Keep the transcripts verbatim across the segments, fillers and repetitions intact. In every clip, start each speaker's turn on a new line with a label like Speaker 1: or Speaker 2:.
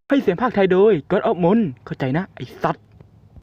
Speaker 1: ให้เสียงภาคไทยโดยก็อดออฟมนเข้าใจนะไอ้สัตว์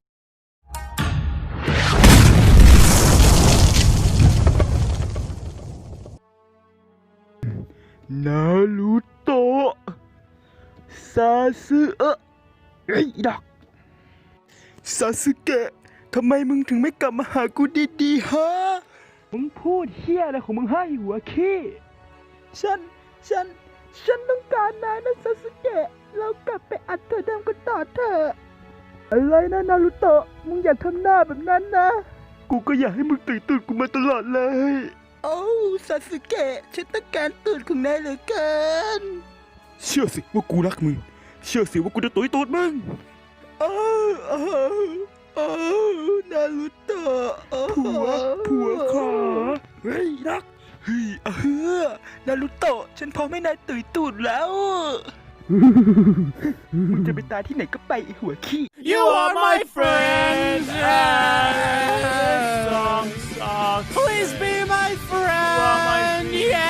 Speaker 1: นารูโตะซาสึเอะเฮ้ยดอกซาสึเกะทำไมมึงถึงไม่กลับมาหากูดีๆฮะมึงพูดเฮี้ยอะไรของมึงให้หัวขี้ฉันฉันฉันต้องการนายนะซาสึเกะเรากลับไปอัดเธอเดิมกันต่อเถอะอะไรนะนารูโตะมึงอย่าทำหน้าแบบนั้นนะกูก็อยากให้มึงตื่นตื่นกูมาตลอดเลยโอ้ซาสึเกะฉันต้องการตื่นของนายเหลือเกินเชื่อสิว่ากูรักมึงเชื่อสิว่ากูจะตุยตูดมึงโอ้โอ้โอ้นารูโตะผัวผัวขอเฮ้ยรักเฮ้ยเออนารูโตะฉันพร้อมให้นายตุยตูดแล้วมึงจะไปตายที่ไหนก็ไปไอ้หัวขี้
Speaker 2: You are my friend. Song, song. Please be my friend.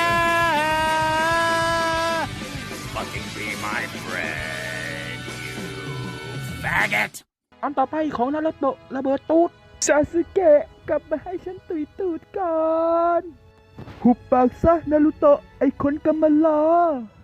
Speaker 2: Yeah. Fucking be my friend, you faggot.
Speaker 1: อันต่อไปของนารูโตะระเบิดตูดซาสึเกะกลับมาให้ฉันตุยตูดก่อนหุบปากซะนารูโตะไอ้คนกำมะลา